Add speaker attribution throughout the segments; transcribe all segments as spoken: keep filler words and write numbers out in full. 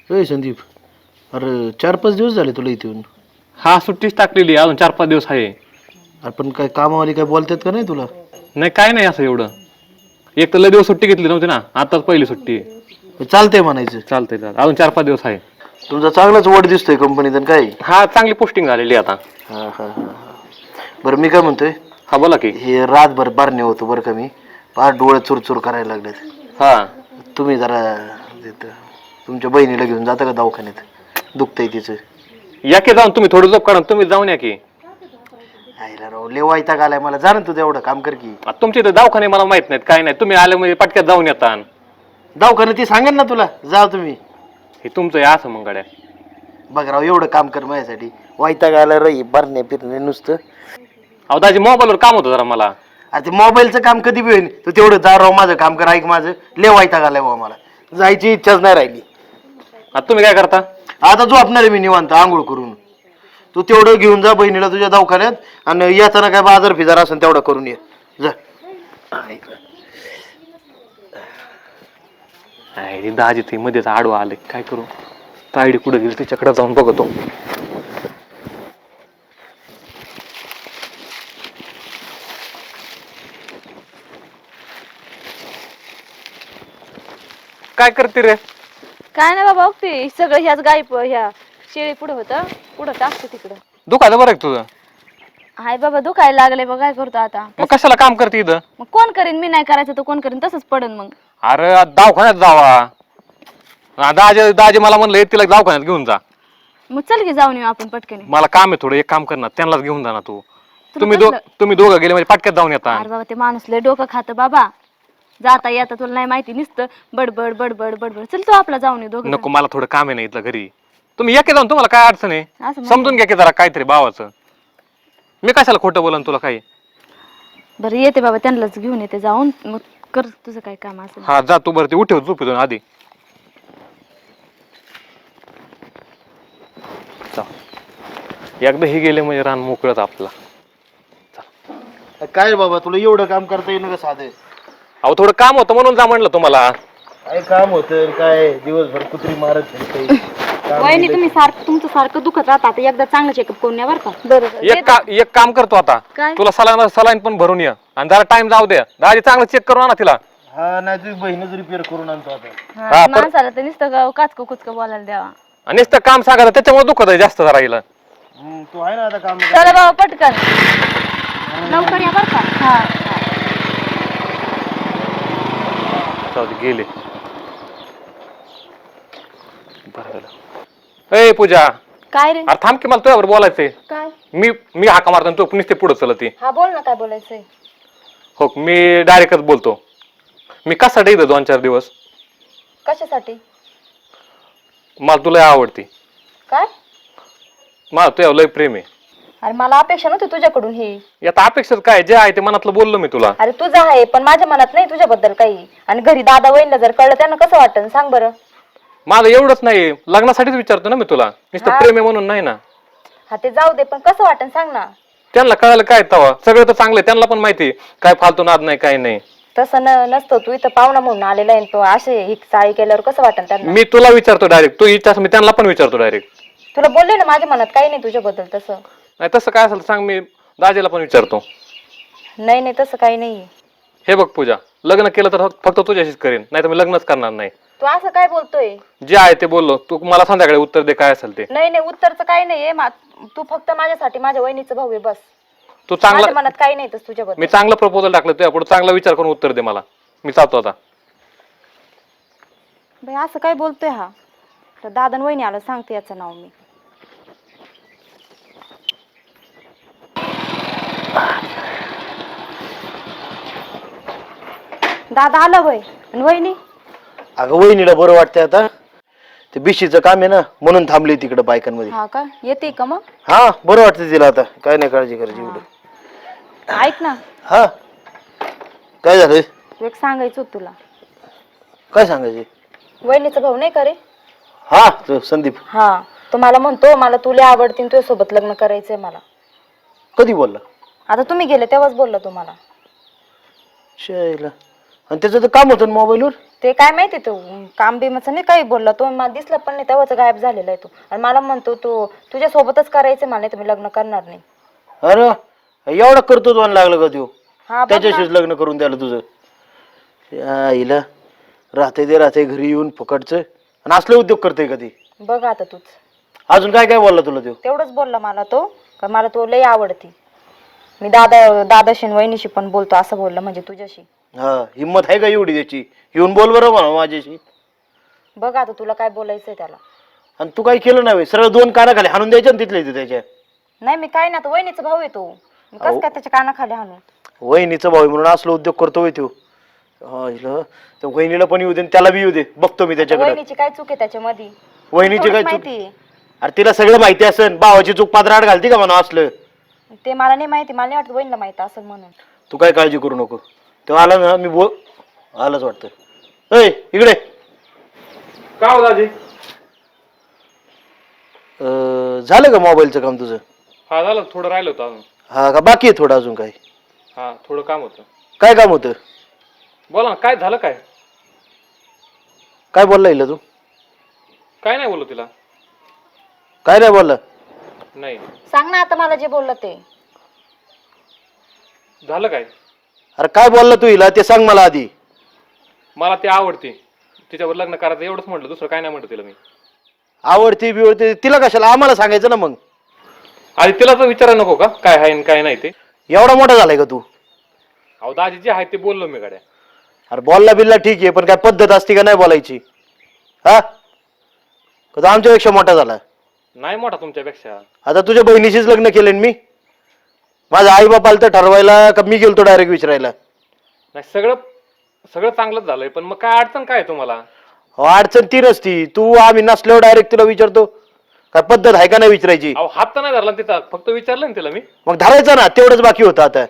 Speaker 1: ए संदीप, अरे चार पाच दिवस झाले तुला इथे येऊन.
Speaker 2: हा सुट्टीच टाकलेली अजून चार पाच दिवस आहे.
Speaker 1: अरे पण काय कामावाली काय बोलतात का नाही तुला?
Speaker 2: नाही काय नाही असं एवढं. एक तर लय दिवस सुट्टी घेतली नव्हती ना, आताच पहिली सुट्टी आहे.
Speaker 1: चालतंय म्हणायचं.
Speaker 2: चालतंय चालतंय अजून चार पाच दिवस आहे.
Speaker 1: तुमचा चांगलाच वड दिसतोय कंपनीत आणि काय.
Speaker 2: हा चांगली पोस्टिंग झालेली आता.
Speaker 1: हा हा हा हा. बरं मी काय म्हणतोय,
Speaker 2: हा बोला की.
Speaker 1: हे रातभर बारणे होतो बरं का, मी फार डोळे चुरचुर करायला लागलेत.
Speaker 2: हा
Speaker 1: तुम्ही जरा तिथं तुमच्या बहिणीला घेऊन जाता का दवाखान्यात? दुखतंय तिचं.
Speaker 2: या की जाऊन तुम्ही थोडं झोप काढून तुम्ही जाऊन या की.
Speaker 1: आईला राव लय वैताग आलाय मला. जा ना तू तेवढं काम कर की.
Speaker 2: आता तुमचे इथे दवाखाने मला माहित नाहीत काय नाही, तुम्ही आले म्हणजे पटक्यात जाऊन येता.
Speaker 1: दवाखान्यात ती सांगेल ना तुला, जा तुम्ही.
Speaker 2: हे तुमचं आहे असं मग गाड्या.
Speaker 1: बघ राव एवढं काम कर माझ्यासाठी. वैताग आला रही भरणे फिरणे नुसतं.
Speaker 2: अहो दाजी मोबाईलवर काम होतं जरा मला.
Speaker 1: अरे ते मोबाईलचं काम कधी बी होईल, तू तेवढं जा राव माझं काम कर. ऐक माझं लय वैताग आलाय बाबा मला. जायची इच्छाच नाही राहिली.
Speaker 2: आता तुम्ही काय करता?
Speaker 1: आता झोपणार आहे मी निवांत आंघोळ करून. तू तेवढं घेऊन जा बहिणीला तुझ्या दवाखान्यात, आणि येताना काय बाजार फिजार असेल तेवढं करून ये जा.
Speaker 2: नाही दाजी ते मध्येच आडवा आले, काय करू? तायडी कुठे गेली तिच्याकडे जाऊन बघतो. काय करते रे?
Speaker 3: काय नाही बाबा, बघते सगळं ह्याच गाई प- ह्या शेळी पुढे होतं, पुढं टाकते तिकडं.
Speaker 2: दुखायला बरं आहे तुझं?
Speaker 3: हाय बाबा दुखायला लागले बघ, काय करतो आता?
Speaker 2: मग कशाला काम करते इथं?
Speaker 3: मग कोण करीन? मी नाही करायचं तर कोण करीन? तसंच पडन मग.
Speaker 2: अरे दवाखान्यात जावा. दाजी दाजी मला म्हणलं तिला दवाखान्यात घेऊन जा.
Speaker 3: मग चल की जाऊन येऊ आपण पटकन.
Speaker 2: मला काम आहे थोडं, एक काम कर ना, त्यांनाच घेऊन जा ना तू.
Speaker 3: तुला
Speaker 2: तुम्ही दो
Speaker 3: कसलं?
Speaker 2: तुम्ही दोघं गेले म्हणजे पटक्यात जाऊन येता.
Speaker 3: अरे बाबा ते माणूस लय डोकं खातं बाबा. जाता येता तुला नाही माहिती, नुसतं बडबड बडबड बडबड. चल तो आपला जाऊन येऊ दोघं.
Speaker 2: नको मला थोडं काम आहे ना इथलं घरी. तुम्ही या की जाऊन, तुम्हाला काय अडचण आहे?
Speaker 3: असं म्हण.
Speaker 2: समजून घ्या की जरा काहीतरी भावाचं. मी कशाला खोटं बोलन तुला काही.
Speaker 3: बरं येते बाबा, त्यांनाच घेऊन येते जाऊन. मग कर तुझं काय काम असेल.
Speaker 2: हा जा तू. बरं ते उठव झोपेतून आधी. एकदा हे गेले म्हणजे रान मोकळत आपला.
Speaker 1: काय रे बाबा, तुला एवढं काम करता येईन का साधे?
Speaker 2: अहो थोडं काम होतं म्हणून जा म्हणलं तुम्हाला.
Speaker 1: काय काम होतं काय, दिवसभर कुत्री मारत फिरते. काम
Speaker 3: वहिनी
Speaker 1: दिलंय.
Speaker 3: तुम्ही सारखं तुमचं सारखं दुखत राहता, आता एकदा चांगलं चेकअप करून या बरं का. बरोबर
Speaker 2: एक का एक काम करतो आता,
Speaker 3: काय?
Speaker 2: तुला सलाईन सलाईन पण भरून ये आणि जरा टाइम जाऊ दे. दाजी चांगलं चेक करून आणा तिला.
Speaker 1: हा नाही तुझी बहीणच रिपेअर करून आणतो आता.
Speaker 2: हा, पण-
Speaker 3: माणसाला तर नुसतं काचकं कुचकं बोलायला द्यावा.
Speaker 2: आणि नुसतं काम सांगायचं त्याच्यामुळे दुखत आहे जास्त जरा हिला.
Speaker 1: हम्म, तू आहे ना आता काम.
Speaker 3: चला बाबा पटकन लवकर या बरं का. हा
Speaker 2: जाऊ दे, गेले. बरं झालं. ए पूजा,
Speaker 3: काय रे?
Speaker 2: अरे थांब की, मला तुझ्यावर बोलायचंय.
Speaker 3: काय?
Speaker 2: मी मी हाका मारतो आणि तू नुसते पुढे चलत ये.
Speaker 3: हा बोल ना, काय बोलायचंय?
Speaker 2: हो मी डायरेक्टच बोलतो. मी कशासाठी इथं दोन चार दिवस?
Speaker 3: कशासाठी?
Speaker 2: मला तुला आवडती.
Speaker 3: काय?
Speaker 2: मला तुझ्यावर लय प्रेम आहे.
Speaker 3: अरे मला अपेक्षा नव्हती तुझ्याकडून ही.
Speaker 2: यात अपेक्षित काय, जे आहे ते मनातलं बोललो मी तुला.
Speaker 3: अरे तुझं आहे पण माझ्या मनात नाही तुझ्याबद्दल काही. आणि घरी दादा वहिनीला जर कळलं त्यांना कसं वाटतं सांग बरं.
Speaker 2: माझं एवढंच नाही, लग्नासाठीच विचारतो ना मी तुला, नुसतं
Speaker 3: हा.
Speaker 2: प्रेम आहे म्हणून नाही ना.
Speaker 3: हा ते जाऊ दे, पण कसं वाटतं सांग ना.
Speaker 2: त्यांना कळायला काय तवा, सगळं तर चांगलं आहे, त्यांना पण माहिती काय फालतू नाद नाही काय नाही.
Speaker 3: तसं न नसतं, तू इथं पाहुणा म्हणून आलेला आहे तो असे ही चाळी केल्यावर कसं वाटतं त्यांना.
Speaker 2: मी तुला विचारतो डायरेक्ट, तू इच्छा मी त्यांना पण विचारतो डायरेक्ट.
Speaker 3: तुला बोलले ना माझ्या मनात काही नाही तुझ्याबद्दल तसं.
Speaker 2: नाही तसं काय असेल सांग, मी दाजीला पण विचारतो.
Speaker 3: नाही नाही तसं काही नाही.
Speaker 2: हे बघ पूजा, लग्न केलं तर फक्त तुझ्याशीच करेन, नाही तर मी लग्नच करणार नाही.
Speaker 3: तू असं काय बोलतोय?
Speaker 2: जे आहे ते बोललो, तू मला संध्याकाळी उत्तर दे काय असेल ते.
Speaker 3: नाही नाही उत्तरचं काही नाहीये. तू फक्त माझ्यासाठी माझ्या वहिनीचं भाऊ आहे बस.
Speaker 2: तू
Speaker 3: माझ्या
Speaker 2: चांगला,
Speaker 3: मनात काही नाही तसं तुझ्याबद्दल.
Speaker 2: मी चांगलं प्रपोजल टाकलं तुझ्या पुढे, चांगला विचार करून उत्तर दे मला. मी जातो आता.
Speaker 3: बाई असं काय बोलतोय हा? तर दादा वहिनी आलं सांगते याचं नाव मी. दादा आलं वय आणि वहिनी.
Speaker 1: अगं वहिनीला बरं वाटतंय आता, ते बिशीचं काम आहे ना म्हणून थांबली तिकडे बायकांमध्ये.
Speaker 3: हा का येते का मग?
Speaker 1: हा बरं वाटतं तिला आता, काय नाही काळजी करायची एवढं.
Speaker 3: ऐक ना,
Speaker 1: हा काय झालं?
Speaker 3: एक सांगायचं होतं तुला.
Speaker 1: काय सांगायचे?
Speaker 3: वहिनीचा भाऊ नाही का रे?
Speaker 1: हा तो संदीप.
Speaker 3: हा तो मला म्हणतो मला तुला आवडतीन तुझ्या सोबत लग्न करायचंय मला.
Speaker 1: कधी बोलला?
Speaker 3: आता तुम्ही गेले तेव्हाच बोलला तुम्हाला.
Speaker 1: शायला. आणि त्याचं तर काम होतं मोबाईलवर.
Speaker 4: ते काय माहिती तू काम बिमाचं नाही काही बोलला तो, मला दिसला पण नाही तेव्हाच गायब झालेला आहे तो. आणि मला म्हणतो तू तुझ्या सोबतच करायचं, मला नाही तुम्ही लग्न करणार नाही.
Speaker 1: अरे एवढा करतो दोन लागलं का तू
Speaker 4: हा बघ ना.
Speaker 1: त्याच्याशीच लग्न करून द्यायला तुझं. या हिला राहते ते राहते घरी येऊन फुकटचं आणि असले उद्योग करते का ती.
Speaker 4: बघ आता तूच
Speaker 1: अजून काय काय बोलला तुला तो.
Speaker 4: तेवढंच बोलला मला तो का मला तो लय आवडती. मी दादा दादाशी आणि वहिनीशी पण बोलतो असं बोललं, म्हणजे तुझ्याशी.
Speaker 1: हा हिंमत आहे का एवढी त्याची, येऊन बोल बरं म्हणा माझ्याशी.
Speaker 4: बघ आता तुला काय बोलायचंय त्याला.
Speaker 1: आणि तू काय केलं नाही सरळ दोन कानाखाली हाणून द्यायच्या ना तिथले त्याच्या.
Speaker 4: नाही मी काय ना, तो वहिनीचा भाऊ आहे तो, मी कसं काय त्याच्या कानाखाली हाणू.
Speaker 1: वहिनीचा भाऊ आहे म्हणून असलो उद्योग करतोय तो. हा हिला त्या वहिनीला पण येऊ दे आणि त्याला बी येऊ दे, बघतो मी त्याच्याकडे.
Speaker 4: वहिनीची काय चूक आहे त्याच्यामध्ये,
Speaker 1: वहिनीची काय चूक.
Speaker 4: माहिती
Speaker 1: अरे तिला सगळं माहिती असेल, भावाची चूक पादराड घालती का म्हणा असलं.
Speaker 4: ते मला नाही माहिती, मला नाही वाटत वहिनीला माहिती असेल म्हणून.
Speaker 1: तू काय काळजी करू नको. तेव्हा आला ना मी बोल आलाच वाटतं. ऐ इकडे
Speaker 2: का हो दाजी?
Speaker 1: अं, झालं का मोबाईलचं काम तुझं.
Speaker 2: हा झालं, थोडं राहिलं होतं अजून.
Speaker 1: हा का बाकी आहे थोडं अजून काय.
Speaker 2: हा थोडं काम होतं.
Speaker 1: काय काम होतं.
Speaker 2: बोला ना, काय झालं काय?
Speaker 1: काय बोलला हिला तू.
Speaker 2: काय नाही बोललो तिला.
Speaker 1: काय नाही बोलला.
Speaker 2: नाही.
Speaker 4: सांग ना आता मला जे बोललं ते.
Speaker 2: झालं काय?
Speaker 1: अरे काय बोलला तू हिला ते सांग मला आधी.
Speaker 2: मला ती आवडते, तिच्यावर लग्न करायचं एवढंच म्हटलं, दुसरं काय नाही म्हटलं तिला मी.
Speaker 1: आवडती बिवडती तिला कशाला, आम्हाला सांगायचं ना मग.
Speaker 2: आधी तिला तर विचारायला नको का काय आहे आणि काय नाही ते.
Speaker 1: एवढा मोठा झालाय का तू.
Speaker 2: अहो दाजी जे आहे ते बोललो मी गाड्या.
Speaker 1: अरे बोलला बिल्ला ठीक आहे, पण काय पद्धत असते का नाही बोलायची. हा का तो आमच्यापेक्षा मोठा झाला.
Speaker 2: नाही मोठा तुमच्यापेक्षा.
Speaker 1: आता तुझ्या बहिणीशीच लग्न केले मी. माझ्या आई बापाला तर ठरवायला का मी गेलतो डायरेक्ट विचारायला.
Speaker 2: नाही सगळं सगळं चांगलंच झालंय, पण मग काय अडचण काय आहे तुम्हाला?
Speaker 1: हो अडचण ती नसती, तू आम्ही नसल्यावर डायरेक्ट तुला विचारतो. काय पद्धत आहे का नाही विचारायची.
Speaker 2: अहो हात तर नाही धरला तिथं, फक्त विचारलं ना तिला मी.
Speaker 1: मग धरायचं ना, तेवढंच बाकी होतं आता.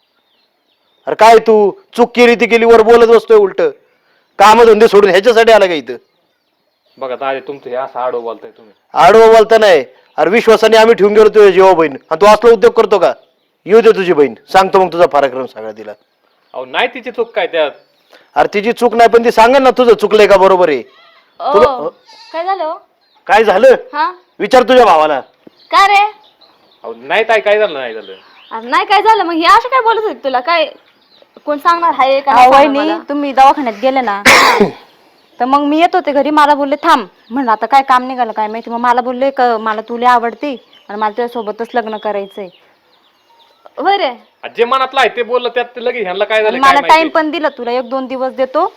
Speaker 1: अरे काय तू चूक केली ती केली वर बोलत बसतोय उलट. काम धंदे सोडून ह्याच्यासाठी आला का इथं.
Speaker 2: बघा दाजी तुमचं हे असं आडो बोलताय तुम्ही.
Speaker 1: आडवं बोलता नाही. अरे विश्वासाने आम्ही ठेवून गेलो तुझ्या जीवा बहीण आणि तू असला उद्योग करतो का. येऊ दे तुझी बहीण, सांगतो मग तुझा पराक्रम सगळा तिला.
Speaker 2: अहो नाही तिची चूक काय त्यात.
Speaker 1: अरे तिची चूक नाही पण ती सांगेल ना तुझं चुकलंय का बरोबर आहे.
Speaker 3: ओ काय झालं हो?
Speaker 1: काय झालं
Speaker 3: हा
Speaker 1: विचार तुझ्या भावाला.
Speaker 3: काय रे.
Speaker 2: अहो नाही ताई काय झालं नाही झालं.
Speaker 3: अरे नाही काय झालं, मग हे असं काय बोलत होते तुला. काय कोण सांगणार आहे का
Speaker 4: अहो,
Speaker 3: नाही सांगणार
Speaker 4: वहिनी
Speaker 3: मला?
Speaker 4: तुम्ही दवाखान्यात गेले ना तर मग मी येत होते घरी, मला बोलले थांब, म्हणलं आता काय काम निघालं काय माहिती. मग मला बोलले का मला तुला आवडते आणि मला तुझ्यासोबतच लग्न करायचंय.
Speaker 3: होय रे.
Speaker 2: जे मनातलं आहे ते बोललं, त्यात लगेच ह्यांना काय झालं
Speaker 4: मला
Speaker 2: काय
Speaker 4: टाइम
Speaker 2: माहिती.
Speaker 4: पण दिला, तुला एक दोन दिवस देतो.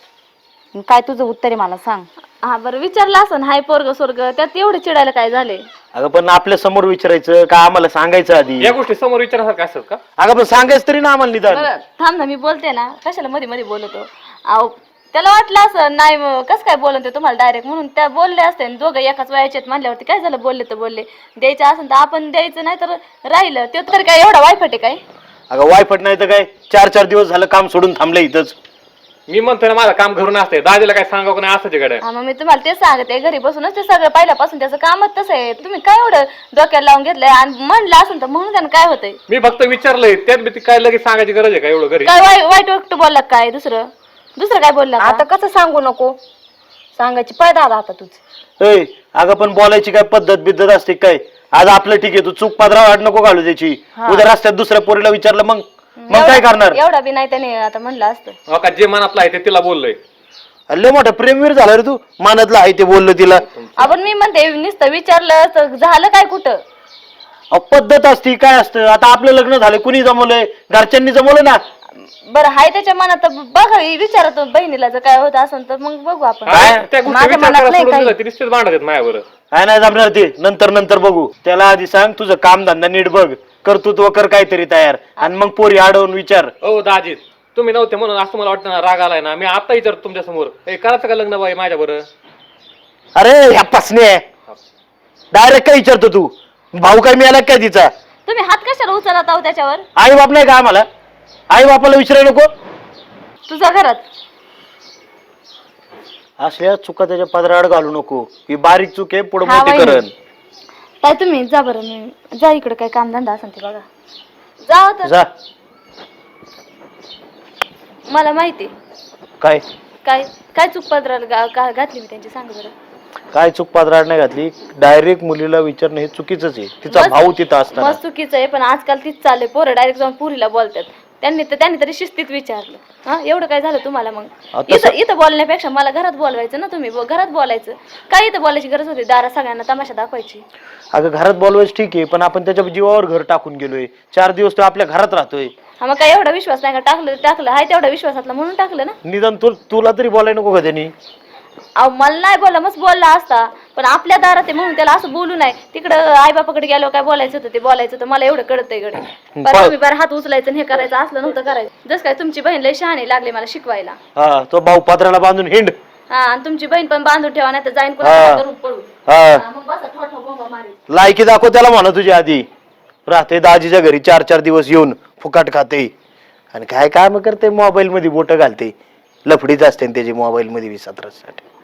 Speaker 4: काय तुझं उत्तर आहे मला सांग.
Speaker 3: हा बरं विचारलं असं हाय पोरग स्वर्ग, त्यात एवढे चिडायला काय झाले.
Speaker 1: अगं पण आपल्या समोर विचारायचं का आम्हाला सांगायचं आधी.
Speaker 2: या गोष्टी समोर विचारण्यासारखं असतात का?
Speaker 1: अगं पण सांगायचं तरी ना आम्हाला निदान.
Speaker 3: बरं थांब ना, मी बोलते ना, कशाला मध्ये मध्ये बोलतो. अहो त्याला वाटलं असं नाही कसं काय बोलत ते तुम्हाला डायरेक्ट, म्हणून त्या बोलले असते. दोघं एकाच वयाचे म्हणल्यावरती काय झालं, बोलले तर बोलले. द्यायचं असेल तर आपण द्यायचं, नाही तर राहिलं. ते तर काय एवढा वायफट आहे काय.
Speaker 1: अगं वायफट नाही तर काय, चार चार दिवस झालं काम सोडून थांबलं इथंच.
Speaker 2: मी म्हणतोय ना माझं काम घरून असते, दाजीला काय सांगावं नाही असं गाड्या.
Speaker 3: हा मग मी तुम्हाला तेच सांगते, घरी बसूनच ते सगळं पहिल्यापासून त्याचं कामच तसं आहे. तुम्ही काय एवढं डोक्याला लावून घेतलंय आणि म्हणलं असेल तर म्हणून त्यानं काय होतंय.
Speaker 2: मी फक्त विचारलंय, त्यात बी ती काय लगेच सांगायची गरज आहे का एवढं घरी.
Speaker 3: काय वाईट वाईट वाटत बोलला काय दुसरं दुसरं काय बोलला
Speaker 4: आता कसं सांगू नको, सांगायची पायदा आता तुझ.
Speaker 1: ए अगं पण बोलायची काय पद्धत बिद्धत असते काय. आज आपलं ठीक आहे, तू चूक पादरा वाट नको घालू त्याची. उद्या रस्त्यात दुसऱ्या पोरीला विचारलं मग मग काय करणार.
Speaker 3: एवढा बी नाही त्याने आता म्हणलं असतं.
Speaker 2: हो का, जे मनातलं आहे ते तिला बोललोय.
Speaker 1: लय मोठा प्रेमवीर झाला रे तू. मानातलं आहे ते बोललं तिला.
Speaker 3: आपण मी म्हणते नुसतं विचारलं तर झालं काय कुठं.
Speaker 1: अहो, पद्धत असती काय असतं. आता आपलं लग्न झालं, कुणी जमवलंय, घरच्यांनी जमवलं ना.
Speaker 3: बरं हाय त्याच्या मनात तर बघा विचारतो बहिणीला जर काय होत असेल तर मग बघू आपण.
Speaker 2: काय? त्या गोष्टी
Speaker 4: माझ्या
Speaker 2: विचार
Speaker 4: मनात
Speaker 2: करा
Speaker 4: नाही
Speaker 2: सोडून
Speaker 4: काही.
Speaker 2: दिलं, ती रिश्तेच भांडत आहेत माझ्यावर.
Speaker 1: काय नाही जमणार ते, नंतर नंतर बघू. त्याला आधी सांग तुझं काम धंदा नीट बघ, कर्तृत्व कर काहीतरी तयार, आणि मग पोरी अडवून विचार.
Speaker 2: हो दाजी तुम्ही नव्हते म्हणून असं मला वाटतं ना, राग आलाय ना. मी आता विचारतो तुमच्या समोर, ए करायचं का लग्न बाई माझ्या बरं.
Speaker 1: अरे ह्या पसने डायरेक्ट काय विचारतो तू. भाऊ काय मिळाला काय तिचा.
Speaker 3: तुम्ही हात कशाला उचलत आहो त्याच्यावर.
Speaker 1: आई बाप नाही का आम्हाला. आई बापाला विचारायला नको.
Speaker 3: तुझ्या घरात
Speaker 1: असल्या चुका त्याच्या पदराड घालू नको. ही बारीक चूक आहे, पुढे
Speaker 3: हा,
Speaker 1: मोठी
Speaker 3: वहिनी.
Speaker 1: करण.
Speaker 3: काय तुम्ही जा बरं, मी जा इकडे काय कामधंदा असेल ते बघा. जा आता.
Speaker 1: जा.
Speaker 3: मला माहिती
Speaker 1: काय
Speaker 3: काय काय चूक पदराला गा- घातली मी त्यांची सांग बरं.
Speaker 1: काय चूक पात्राड नाही घातली, डायरेक्ट मुलीला विचारणं हे चुकीचंच आहे. तिचा
Speaker 3: मस्त-
Speaker 1: भाऊ तिथं असताना
Speaker 3: मस्त चुकीचं आहे, पण आजकाल तीच चालले पोरं डायरेक्ट जाऊन पुरीला बोलतात. त्यांनी तर त्यांनी तरी शिस्तीत विचारलं. हा एवढं काय झालं तुम्हाला मग?
Speaker 1: आता
Speaker 3: इथं इथं बोलण्यापेक्षा मला घरात बोलवायचं ना तुम्ही, ब- घरात बोलायचं. काय इथं बोलायची गरज होती? दारा सगळ्यांना तमाशा दाखवायची.
Speaker 1: अगं घरात बोलवायचं ठीक आहे, पण आपण त्याच्या जीवावर घर टाकून गेलोय. चार दिवस तो आपल्या घरात राहतोय.
Speaker 3: हा मग काय एवढा विश्वास नाही का? टाकलं टाकलं हाय तेवढा विश्वासातला म्हणून टाकलं ना.
Speaker 1: निदान तू तुला तरी बोलायला नको का त्यांनी?
Speaker 3: अहो मला नाही बोलला, मस्त बोलला असता, पण आपल्या दारात आहे म्हणून त्याला असं बोलू नाही. तिकडं आई बापाकडे गेलो काय बोलायचं होतं ते बोलायचं होतं. मला एवढं कळतंय गडे. बरं तुम्ही बरं हात उचलायचं आणि हे करायचं असलं नव्हतं करायचं. जसं काय तुमची बहीण लय शहाणी लागली मला शिकवायला.
Speaker 1: हा तो भाऊ पात्राला बांधून हिंड.
Speaker 3: हा आणि तुमची बहीण पण बांधून ठेवा, नाही तर जाईन
Speaker 1: हा.
Speaker 3: कोणाला करून पळू.
Speaker 1: हा
Speaker 3: हा, मग बसा ठोठो बोंबा मारी.
Speaker 1: लायकी दाखव त्याला म्हणा तुझ्या आधी. राहते दाजीच्या घरी चार चार दिवस येऊन फुकाट खाते आणि काय काम करते, मोबाईल मध्ये बोट घालते. लफडीच असते ना त्याची मोबाईल मध्ये वीस सतरासाठी.